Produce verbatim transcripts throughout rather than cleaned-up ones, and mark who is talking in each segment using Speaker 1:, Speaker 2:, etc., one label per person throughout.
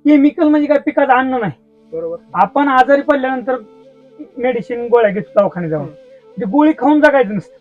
Speaker 1: Chemical म्हणजे काय पिकाचं अन्न नाही.
Speaker 2: बरोबर.
Speaker 1: आपण आजारी पडल्यानंतर मेडिसिन गोळ्या घेतो दवाखान्यात जाऊन, ती गोळी खाऊन जगायचं नसतं.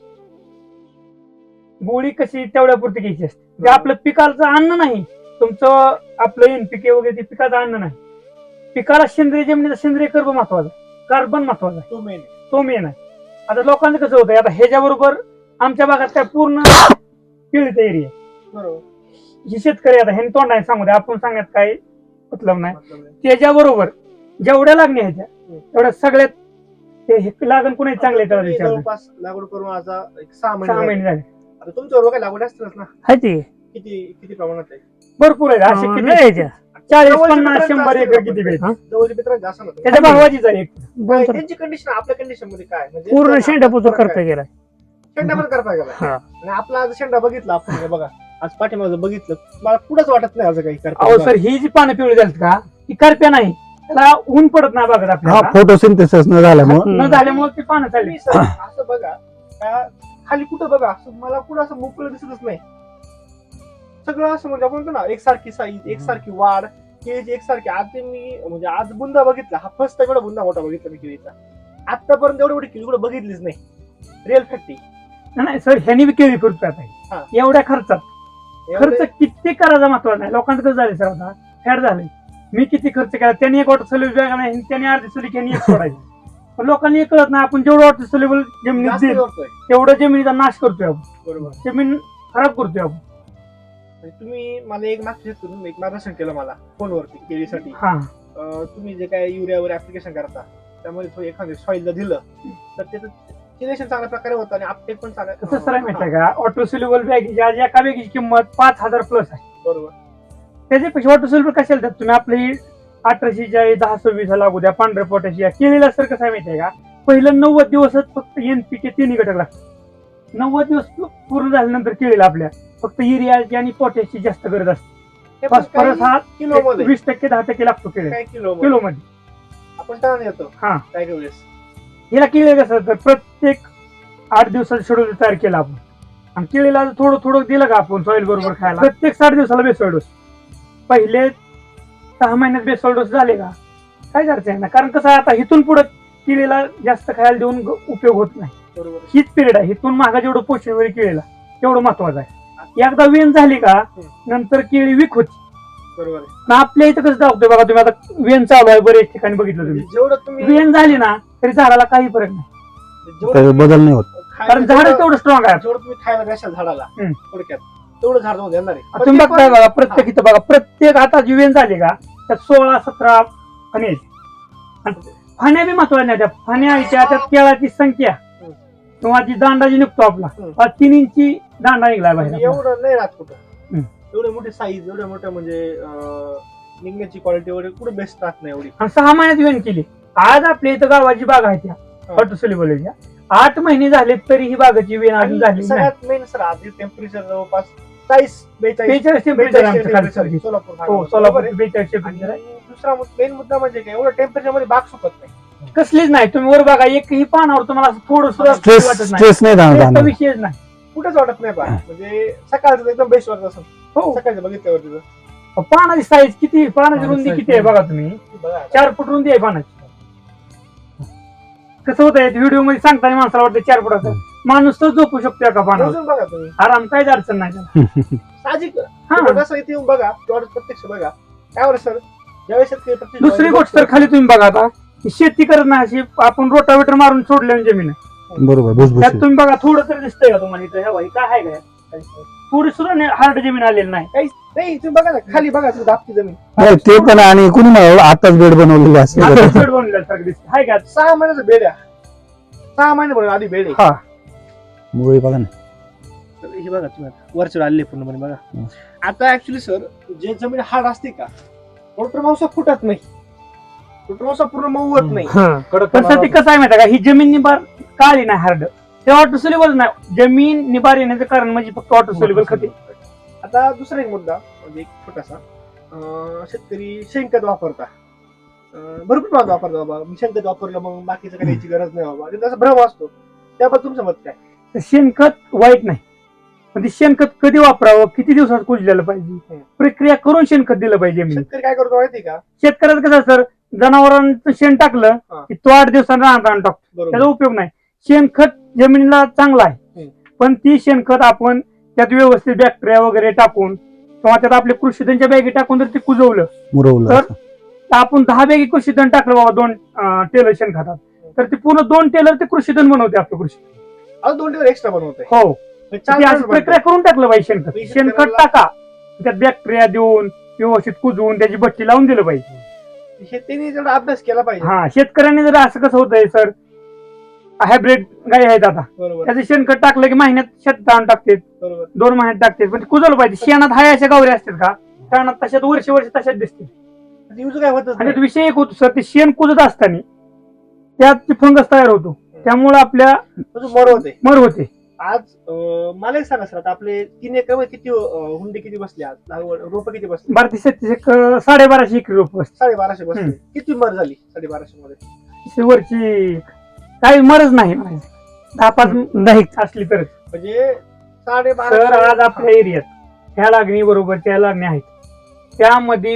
Speaker 1: गोळी कशी तेवढ्या पुरती घ्यायची असते. ते आपलं पिकाचं अन्न नाही. तुमचं आपलं एनपीके वगैरे ते पिकाचं अन्न नाही. पिकाला सेंद्रिय जमिनीचा सेंद्रिय कर्ब महत्वाचा, कार्बन महत्वाचा आहे,
Speaker 2: तो मेन
Speaker 1: तो मेन आहे. आता लोकांचं कसं होतंय, आता ह्याच्याबरोबर आमच्या भागात काय पूर्ण केळीचा एरिया.
Speaker 2: बरोबर.
Speaker 1: हे शेतकरी आता ह्यांनी तोंडाने सांगू द्या, आपण सांगत काय मतलब नाही. त्याच्याबरोबर जेवढ्या लागण्या ह्याच्या तेवढ्या सगळ्यात ते हे लागण कुणी चांगले
Speaker 2: जवळपास लागवड करून आता एक सहा
Speaker 1: सहा
Speaker 2: महिने
Speaker 1: महिने झाले.
Speaker 2: आता तुमच्यावर काय लागवड असतीलच ना?
Speaker 3: आहे ते
Speaker 2: किती किती प्रमाणात आहे?
Speaker 1: भरपूर आहे. असे
Speaker 3: अं,
Speaker 1: किती
Speaker 3: लय याच्या.
Speaker 1: चाळीस
Speaker 2: जवळच्या
Speaker 1: पन्नास
Speaker 2: मित्रांचं
Speaker 1: शंभर
Speaker 2: असतील
Speaker 1: एकर
Speaker 2: आपण.
Speaker 1: किती भेट
Speaker 3: हा?
Speaker 2: जवळच्या मित्रांचे असं ना
Speaker 1: त्याच्या भावाचीच आहे एक.
Speaker 3: दोन तर
Speaker 2: त्यांची कंडिशन आपल्या कंडिशन मध्ये काय म्हणजे
Speaker 3: पूर्ण
Speaker 2: त्यांना
Speaker 3: शेंडापूर
Speaker 2: फरक
Speaker 3: करता
Speaker 2: काय?
Speaker 3: गेला.
Speaker 2: शेंडा पण करता गेला
Speaker 3: हा.
Speaker 2: आणि आपला आज शेंडा बघितला आपण हे बघा आज पाठीमागं बघितलं मला पुढंच वाटत नाही आज काही करता.
Speaker 1: अहो सर, ही जी पानं पिवळी झालीत का, ही करप्या नाही. त्याला ऊन पडत नाही बघत
Speaker 4: हा
Speaker 1: आपल्याला.
Speaker 4: फोटोसिंथेसिस न झाल्यामुळे
Speaker 1: न झाल्यामुळे ती पानं चालली.
Speaker 2: तुम्ही सर असं बघा का खाली कुठं बघा असं मला कुठं असं मोकळं दिसतच नाही. सगळं असं म्हणजे आपण म्हणतो ना एकसारखी साईज एकसारखी वाढ केळीची एकसारखी. आज ते मी म्हणजे आज बुंदा बघितला हा फर्स्ट टाइम एवढा बुंदा मोठा बघितला मी केळीचा. आतापर्यंत एवढी मोठी केळी कुठं बघितलीच नाही. रिअल फॅक्ट
Speaker 1: नाही सर, ह्यानी बी केळी करतोय आता.
Speaker 2: हा.
Speaker 1: एवढ्या खर्चात खर्च किती करायचा महत्वाचा नाही. लोकांचं कसं झालं सर, आता फॅड झालंय. मी किती खर्च केला, त्यांनी एक वॉटर सोल्युबल बॅग नाही, त्यांनी अर्धी सोली त्यांनी एक सोडायची. पण लोकांनी हे कळत नाही, आपण जेवढं वॉटर सोल्युबल जमिनीत देईल तेवढं जमिनीचा नाश करतोय आपण.
Speaker 2: बरोबर.
Speaker 1: जमीन खराब करतोय आपण.
Speaker 2: म्हणजे तुम्ही मला एक मागच्या शेतकरून एक मार्गदर्शन केलं मला फोनवरती केळीसाठी.
Speaker 1: हा
Speaker 2: अं, तुम्ही जे काय युरियावर ऍप्लिकेशन करता त्यामध्ये थोडं एखादं सॉइलला दिलं तर त्याचं सिलेक्शन चांगल्या प्रकारे होतं आणि अपटेक पण
Speaker 1: कसं सर आहे माहिती आहे
Speaker 2: चांगलं.
Speaker 1: का, ऑटो सोल्युबल बॅग आज एका बॅगीची किंमत पाच हजार प्लस आहे.
Speaker 2: बरोबर.
Speaker 1: त्याच्यापेक्षा ऑटो सोल्युबल कशाला देतात तुम्ही? आपली अठराशेची आहे, दहा सव्वीस लागू द्या, पांढऱ्या पोट्याची आहे. केलेला सर कसं आहे माहिती आहे का, पहिलं नव्वद दिवसच फक्त एनपीके तिन्ही घटक लागतात. नव्वद दिवस पूर्ण झाल्यानंतर केळीला आपल्या फक्त युरियाची आणि पोटॅशची जास्त गरज असते.
Speaker 2: हे पण
Speaker 1: फॉस्फरस हा
Speaker 2: काही किलोमध्ये
Speaker 1: वीस टक्के दहा टक्के लागतो केळी
Speaker 2: काय किलो
Speaker 1: किलो मध्ये.
Speaker 2: आपण टन येतो
Speaker 1: हा.
Speaker 2: काय काय वेळेस
Speaker 1: हिला केळी कसं तर प्रत्येक आठ दिवसाचं शेड्यूल तयार केलं आपण आणि केळीला थोडं थोडं दिलं का आपण सॉईल बरोबर खायला प्रत्येक साठ दिवसाला बेसोल डोस. पहिले सहा महिन्यात बेसोल डोस झाले का काय करायचं आहे ना, कारण कसं आहे आता इथून पुढे केळीला जास्त खायला देऊन ग- उपयोग होत नाही.
Speaker 2: बरोबर.
Speaker 1: हीच पिरियड आहे. इथून मागा जेवढं पोषण वगैरे केळीला तेवढं महत्वाचं आहे. एकदा वेन झाली का नंतर केळी विक होती.
Speaker 2: बरोबर आहे.
Speaker 1: ना आपल्या इथं कसं दाखवतोय बघा तुम्ही, आता वेन चालू आहे बरेच ठिकाणी बघितलं तुम्ही.
Speaker 2: जेवढं तुम्ही
Speaker 1: वेन झाली ना तरी झाडाला काही फरक नाही,
Speaker 2: जेवढं
Speaker 4: त्याचा
Speaker 2: तुम्ही
Speaker 4: बदल नाही होत.
Speaker 2: खायला-
Speaker 1: कारण झाड तेवढं स्ट्रॉंग आहे.
Speaker 2: जेवढं तुम्ही खायला द्याल झाडाला
Speaker 1: हम्म.
Speaker 2: थोडक्यात तेवढं झाड जाऊन देणार आहे. पण
Speaker 1: तुम्ही
Speaker 2: ते
Speaker 1: बघताय
Speaker 2: पण-
Speaker 1: बघा प्रत्येक इथं बघा प्रत्येक आता जी वेन झाली का त्यात सोळा सतरा फणे आहेत. आणि फण्या बी महत्वाच्या नाही. त्या फण्या आयच्या त्यात केळाची संख्या
Speaker 2: हम्म.
Speaker 1: किंवा जी दांडा जी निघतो आपला
Speaker 2: हम्म.
Speaker 1: हा तीन इंची दांडा निघला बाहेर आपला.
Speaker 2: एवढं नाही राहत कुठं.
Speaker 1: हम्म.
Speaker 2: एवढे मोठे साईज एवढे मोठे म्हणजे अं, निघण्याची क्वालिटी वगैरे कुठे बेस्ट राहत नाही एवढी.
Speaker 1: आणि सहा महिन्यात वेन केली. आज आपल्या इथं गावाची बाग आहे त्या ऑटो सोल्युबलच्या आठ महिने झाले तरी ही बागाची वेन अजून
Speaker 2: आणि
Speaker 1: झाली नाही.
Speaker 2: सगळ्यात मेन सर आधी टेम्परेचर जवळपास चाळीस बेचाळीस
Speaker 1: बेचाळीस टेम्परेचर आमचं खाली
Speaker 2: टेम्परेचर
Speaker 1: सर.
Speaker 2: सोलापूर
Speaker 1: हो
Speaker 2: भागामध्ये.
Speaker 1: सोलापूर
Speaker 2: बरोबर आहे?
Speaker 1: बेचाळीस टेम्परेचर आहे.
Speaker 2: आणि दुसरा मेन मुद्दा म्हणजे काय एवढं टेम्परेचर मध्ये बाग सुकत नाही.
Speaker 1: कसलीच नाही. तुम्ही वर बघा एकही पानावर तुम्हाला असं थोडं सुद्धा
Speaker 4: स्ट्रेस
Speaker 1: वाटत नाही.
Speaker 4: स्ट्रेस नाही
Speaker 1: Stress चा
Speaker 4: जाणार.
Speaker 1: विषयच नाही.
Speaker 2: कुठेच वाटत नाही बाग म्हणजे सकाळचं एकदम बेस्ट वाटत असं
Speaker 1: हो
Speaker 2: सकाळचं बघितल्यावर तिथं
Speaker 1: पानाची साईज किती, पानाची
Speaker 3: पानाची
Speaker 1: रुंदी
Speaker 3: size
Speaker 1: किती आहे बघा तुम्ही.
Speaker 2: बघा
Speaker 1: चार फूट रुंदी आहे पानाची. कसं होतंय व्हिडिओ मध्ये सांगताना माणसाला वाटतं चार फुटाचं माणूस तर झोपू शकतो एका पानावर
Speaker 2: मोजून बघा तुम्ही
Speaker 1: आराम, काहीच अडचण नाही त्याला.
Speaker 2: साहजिक
Speaker 1: हा.
Speaker 2: कसं इथे येऊन बघा तेवढं प्रत्यक्ष बघा काय बरं सर ज्यावेळेस शेतकरी प्रत्यक्ष
Speaker 1: दुसरी गोष्ट तर खाली तुम्ही बघा आता ही शेती करत नाही अशी आपण रोटावेटर मारून सोडल्याने जमीन आहे.
Speaker 4: बरोबर
Speaker 1: त्यात
Speaker 4: भुसभुशीत.
Speaker 1: तुम्ही बघा थोडं तरी दिसतंय का तुम्हाला इथं ह्या बाई काय आहे काय थोडी सुद्धा हार्ड जमीन आलेली नाही.
Speaker 2: काही नाही तुम्ही बघा ना खाली बघा तिथं दाबती जमीन
Speaker 4: नाही ते पण आणि कुणी म्हणाल आताच बेड बनवलेली
Speaker 1: आता
Speaker 4: असेल.
Speaker 1: शेड बनवल्यासारखं दिसतं हाय का.
Speaker 2: सहा महिन्याचं बेड आहे सहा महिने बनवलं आधी बेड आहे.
Speaker 1: हा
Speaker 4: मुळे बघा ना.
Speaker 2: तर हे बघा तुम्ही आता वरचेवर आले पूर्णपणे बघा.
Speaker 4: हं.
Speaker 2: आता ऍक्च्युली सर जे जमीन हार्ड असते का रोटर मांसा फुटत नाही रोटर मांसा पूर्ण मऊ होत नाही.
Speaker 1: पण सर ते कसं आहे माहिती का, ही जमीन निबार काळी नाही हार्ड ते ऑटो सोल्युबल नाही. जमीन निबार येण्याचं कारण म्हणजे फक्त ऑटो सोल्युबल खते.
Speaker 2: आता दुसरा एक मुद्दा म्हणजे एक छोटासा अं, शेतकरी शेणखत वापरता अं, भरपूर प्रमाणात वापरता बाबा मी शेणखत वापरलं मग बाकीचं करायची गरज नाही बाबा आणि त्याचा भ्रम असतो त्याबद्दल तुमचं मत काय?
Speaker 1: तर शेणखत वाईट नाही. पण ते शेणखत कधी वापरावं, किती दिवसात कुजलेलं पाहिजे,
Speaker 2: हम्म.
Speaker 1: प्रक्रिया करून शेणखत दिलं पाहिजे. मी
Speaker 2: शेतकरी काय करतो माहिती का?
Speaker 1: शेतकऱ्याचं कसं सर, जनावरांचं शेण टाकलं
Speaker 2: हा.
Speaker 1: की तो आठ दिवसांना राहणार आणून टाकतो, त्याचा
Speaker 2: बरोबर.
Speaker 1: उपयोग नाही. शेणखत जमिनीला चांगला आहे,
Speaker 2: हम्म.
Speaker 1: पण ती शेणखत आपण त्यात व्यवस्थित बॅक्टेरिया वगैरे टाकून किंवा त्यात आपले कृषीधनच्या बॅगी टाकून जर ते कुजवलं,
Speaker 4: मुरवलं
Speaker 1: तर
Speaker 4: असं.
Speaker 1: तर आपण दहा बॅगी कृषीधन टाकलं बाबा दोन टेलर शेणखतात, तर ते पूर्ण दोन टेलर ते कृषीधन बनवते आपलं कृषी.
Speaker 2: अजून दोन दिवस एक्स्ट्रा बनवतोय.
Speaker 1: हो,
Speaker 2: चार
Speaker 1: ती अशी
Speaker 2: दिवस
Speaker 1: प्रक्रिया करून टाकलं पाहिजे. शेणखत
Speaker 2: मी
Speaker 1: शेणखत
Speaker 2: शेतकऱ्याला-
Speaker 1: टाका, त्यात बॅक्टेरिया देऊन व्यवस्थित कुजवून त्याची भट्टी लावून दिलं पाहिजे.
Speaker 2: हे त्यांनी जेवढा अभ्यास केला पाहिजे.
Speaker 1: हा, शेतकऱ्यांनी जर असं कसं होतंय सर, हायब्रिड गाय आहेत आता,
Speaker 2: बरोबर
Speaker 1: त्याचं शेणखत टाकलं की महिन्यात शेतात आणून टाकतात,
Speaker 2: बरोबर.
Speaker 1: दोन महिन्यात टाकतात, पण ते कुजवलं पाहिजे. शेणात हाय अशा गावऱ्या असतात का, शेणात तशात वर्ष वर्ष तशाच दिसते.
Speaker 2: युज काय होतच
Speaker 1: आणि
Speaker 2: नाही.
Speaker 1: त्यात विषय एक होतो सर, ते शेण कुजत असताना त्यात ते फंगस तयार होतो, त्यामुळे आपल्या
Speaker 2: अजून मर होते.
Speaker 1: मर होते.
Speaker 2: आज अं, मला एक सांगा सर, आता आपले तीन एकर मध्ये किती अं, हुंडे किती बसले आज, रोप किती बसले?
Speaker 1: बारा ते छत्तीस एक साडेबाराशे एकरी रोप असते.
Speaker 2: साडेबाराशे बसले.
Speaker 1: हम्म.
Speaker 2: किती मर झाली साडेबाराशे मध्ये?
Speaker 1: वरची काही मरच नाही म्हणायचं. दहा पाच नाही असली तर.
Speaker 2: म्हणजे
Speaker 1: सर
Speaker 2: साडेबारा
Speaker 1: आज आपल्या एरियात ह्या लागणी बरोबर त्या लागणी आहेत, त्यामध्ये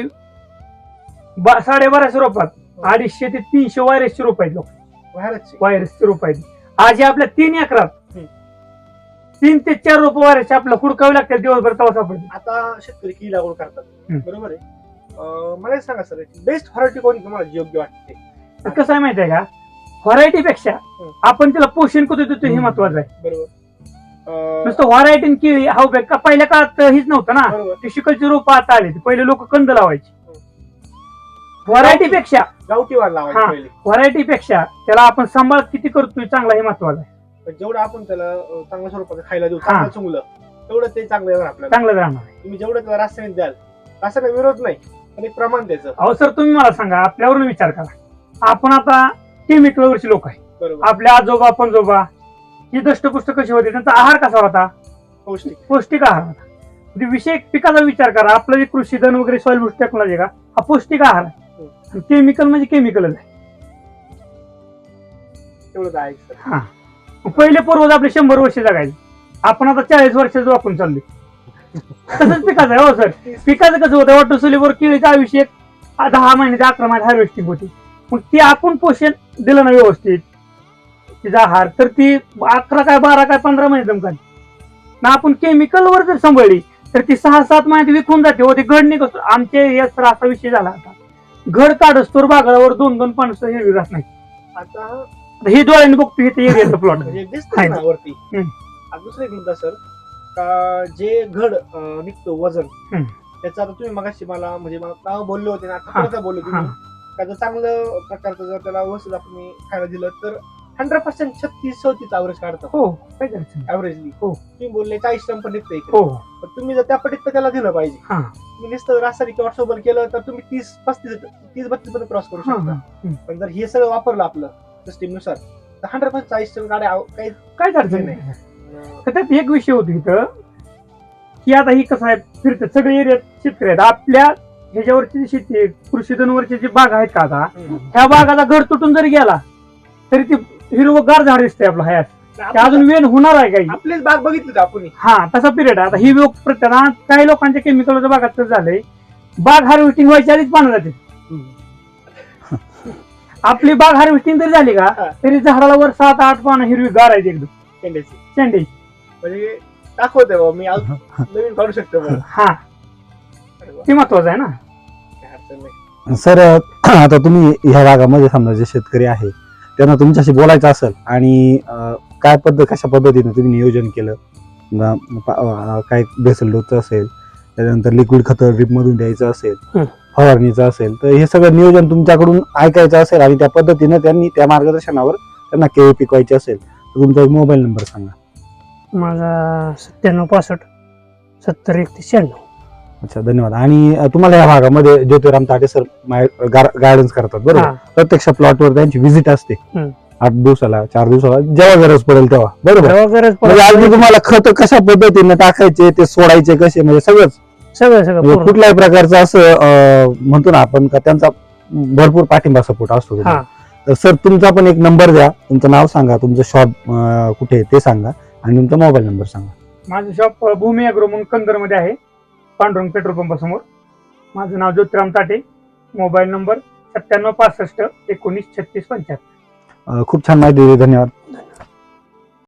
Speaker 1: बा- साडेबाराशे रोपात अडीचशे ते तीनशे व्हायरसचे रोप आहेत. लोक
Speaker 2: बाहेरचे.
Speaker 1: व्हायरसचे रोप आहेत. आज या आपल्या तीन एकरात
Speaker 2: हम्म.
Speaker 1: तीन ते चार रोप व्हायरसचे आपल्याला हुडकावे लागतात दिवसभर, तवा सापडते.
Speaker 2: आता शेतकरी की लागवड करतात.
Speaker 1: हम्म.
Speaker 2: बरोबर आहे. अं, मला एक सांगा सर, बेस्ट व्हरायटी कोणती तुम्हाला योग्य वाटते?
Speaker 1: तर कसं आहे माहिती आहे का, व्हरायटीपेक्षा
Speaker 2: हम्म.
Speaker 1: आपण त्याला पोषण कधी देतो हे
Speaker 4: हम्म.
Speaker 1: महत्वाचं आहे.
Speaker 2: बरोबर. अं,
Speaker 1: नुसतं व्हरायटी केळी हा उपयोग का पहिल्या काळात हीच नव्हतं ना.
Speaker 2: बरोबर.
Speaker 1: ते शिकलची रोप आता आली, पहिले लोक कंद लावायचे. व्हरायटीपेक्षा
Speaker 2: गावठी वाढ लावायची
Speaker 1: हा.
Speaker 2: पहिले.
Speaker 1: व्हरायटीपेक्षा त्याला आपण सांभाळ किती करतोय चांगला हे महत्वाचं आहे.
Speaker 2: पण जेवढं आपण त्याला अं, चांगल्या स्वरूपाचं खायला देऊ,
Speaker 1: हा.
Speaker 2: चांगलं चुंगलं, तेवढं ते चांगलं येणार आपल्याला.
Speaker 1: चांगलं राहणार आहे.
Speaker 2: तुम्ही जेवढं त्याला रासायनिक द्याल, रासायनिक विरोध नाही, पण एक प्रमाण द्यायचं.
Speaker 1: अहो सर, तुम्ही मला सांगा, आपल्यावरून विचार करा. आपण आता केमिकल वरची लोक आहे.
Speaker 2: बरोबर.
Speaker 1: आपल्या आजोबा पंजोबा ही दष्टपुष्ट कशी होती, त्यांचा आहार कसा होता,
Speaker 2: पौष्टिक.
Speaker 1: पौष्टिक आहार होता. म्हणजे विषय पिकाचा विचार करा, आपलं जे कृषीधन वगैरे सॉइल बुस्ट टेक्नॉलॉजी का हा पौष्टिक आहार आहे. केमिकल म्हणजे केमिकलच आहे.
Speaker 2: तेवढं आहे सर.
Speaker 1: हा, पहिले पूर्वज आपले शंभर वर्ष जगायचे, आपण आता चाळीस वर्षाचं वाकून चाललोय. तसंच पिकाचं आहे. हो सर, पिकाचं कसं होतं, वॉटर सोल्युबल केळीचं आयुष्य एक दहा महिने ते अकरा महिने हार्वेस्टिंग होती. मग ती आपण पोषण दिलं ना व्यवस्थित, तिचा आहार, तर ती अकरा काय बारा काय पंधरा महिने जमकाल ना. आपण केमिकल वर जर सांभाळली तर ती सहा सात महिन्यात विकून जाते. हो, ते घड निघतो. आमचे या सर असा विषय झाला आता, घड काढस्तोर बागळावर दोन दोन पाणसं हिरवी राहत नाही.
Speaker 2: आता
Speaker 1: आता हे डोळ्याने बघतो इथे एरियाचा प्लॉट.
Speaker 2: म्हणजे दिसतंय ना वरती.
Speaker 1: हम्म.
Speaker 2: आता दुसरा एक मुद्दा सर, का जे घड अं, निघतो वजन,
Speaker 1: हम्म.
Speaker 2: त्याचं आता तुम्ही मगाशी मला म्हणजे मला नाव बोलले होते ना, आता
Speaker 1: हा.
Speaker 2: परत बोलले तुम्ही, का जर चांगलं प्रकारचं जर त्याला व्यवस्थित आपण खायला दिलं तर हंड्रेड पर्सेंट छत्तीस चौतीस ऍव्हरेज काढतात.
Speaker 1: हो, काय करायचं.
Speaker 2: ऍव्हरेजली.
Speaker 1: हो.
Speaker 2: तुम्ही बोलले चाळीस टन पण निघतं इकडे.
Speaker 1: हो,
Speaker 2: पण तुम्ही जर त्या पटीत त्याला दिलं पाहिजे.
Speaker 1: हा.
Speaker 2: तुम्ही नुसतं रासायनिक किंवा सोबत केलं तर तुम्ही तीस पस्तीस तीस बत्तीस पर्यंत क्रॉस करू
Speaker 1: हा,
Speaker 2: शकता.
Speaker 1: हा.
Speaker 2: पण जर हे सगळं वापरलं आपलं सिस्टीम नुसार तर हंड्रेड पर्सेंट चाळीस टन गाड्या काही
Speaker 1: काय अडचण नाही.
Speaker 2: अं,
Speaker 1: तर त्यात एक विषय होतो इथं, की आता ही कसं आहे, फिरते सगळे एरियात शेतकरी आहेत. आपल्या ह्याच्यावरची जी शेती आहे, कृषीधनवरची जी बाग आहेत का आता,
Speaker 2: हम्म.
Speaker 1: ह्या बागाचा घर तुटून जरी गेला तरी ती हिरवगार झाड दिसते आपलं हयात. ते अजून वेन होणार आहे काही.
Speaker 2: आपलीच बाग बघितली होती आपण.
Speaker 1: हा, तसा पिरियड आहे. आता ही लोक प्रत्येक काही लोकांच्या केमिकलच्या बागात तर झालंय, बाग हार्वेस्टिंग व्हायच्या आधीच पानं जाते. आपली बाग हार्वेस्टिंग जरी झाली का
Speaker 2: हा.
Speaker 1: तरी झाडाला वर सात आठ पानं हिरवी गार आहेत एकदम
Speaker 2: शेंड्याची.
Speaker 1: शेंडे.
Speaker 2: म्हणजे दाखवते बाबा मी आज नवीन काढू शकतो बरं.
Speaker 1: हा,
Speaker 2: अरे वा,
Speaker 1: ते महत्वाचं आहे ना.
Speaker 2: काय अडचण नाही.
Speaker 4: सर आता तुम्ही ह्या भागामध्ये समजा जे शेतकरी आहे त्यांना तुमच्याशी बोलायचं असेल आणि अं, काय पद्धत कशा पद्धतीने तुम्ही नियोजन केलं, न- पा- अं, काय बेसल डोसचं असेल, त्याच्यानंतर लिक्विड खतं ड्रीप मधून द्यायचं असेल,
Speaker 1: हं.
Speaker 4: फवारणीचं असेल, तर हे सगळं नियोजन तुमच्याकडून ऐकायचं असेल आणि त्या पद्धतीने त्यांनी त्या मार्गदर्शनावर त्यांना केळी पिकवायची असेल तर तुमचा एक मोबाईल नंबर सांगा.
Speaker 3: माझा सत्त्याण्णव पासष्ट सत्तर एकतीस शहाण्णव.
Speaker 4: अच्छा, धन्यवाद. आणि अं, तुम्हाला या भागामध्ये ज्योतिराम ताटे सर गायडन्स करतात बरोबर.
Speaker 3: हा,
Speaker 4: प्रत्यक्ष प्लॉटवर त्यांची व्हिजिट असते
Speaker 3: हं.
Speaker 4: आठ दिवसाला चार दिवसाला जेव्हा गरज पडेल तेव्हा बरोबर.
Speaker 3: तेव्हा गरज
Speaker 4: म्हणजे अगदी
Speaker 3: पडत
Speaker 4: तुम्हाला खत कशा पद्धतीने टाकायचे ते सोडायचे कसे म्हणजे सगळंच
Speaker 3: सगळं सगळं
Speaker 4: म्हणजे
Speaker 3: पूर्ण.
Speaker 4: कुठल्याही प्रकारचं असं अं, म्हणतो ना आपण का त्यांचा भरपूर पाठिंबा सपोर्ट असतो
Speaker 3: हा,
Speaker 4: तुम्हाला. तर सर तुमचा पण एक नंबर द्या, तुमचं नाव सांगा, तुमचं शॉप कुठे आहे ते सांगा आणि तुमचा मोबाईल नंबर सांगा.
Speaker 1: माझं शॉप भूमी अॅग्रो म्हणून कंदरमध्ये आहे, पांडुरंग पेट्रोल पंपासमोर. माझं नाव ज्योतिराम ताटे. मोबाईल नंबर सत्त्याण्णव पासष्ट एकोणीस छत्तीस पंच्याहत्तर.
Speaker 4: अं, खूप छान माहिती दिली, धन्यवाद.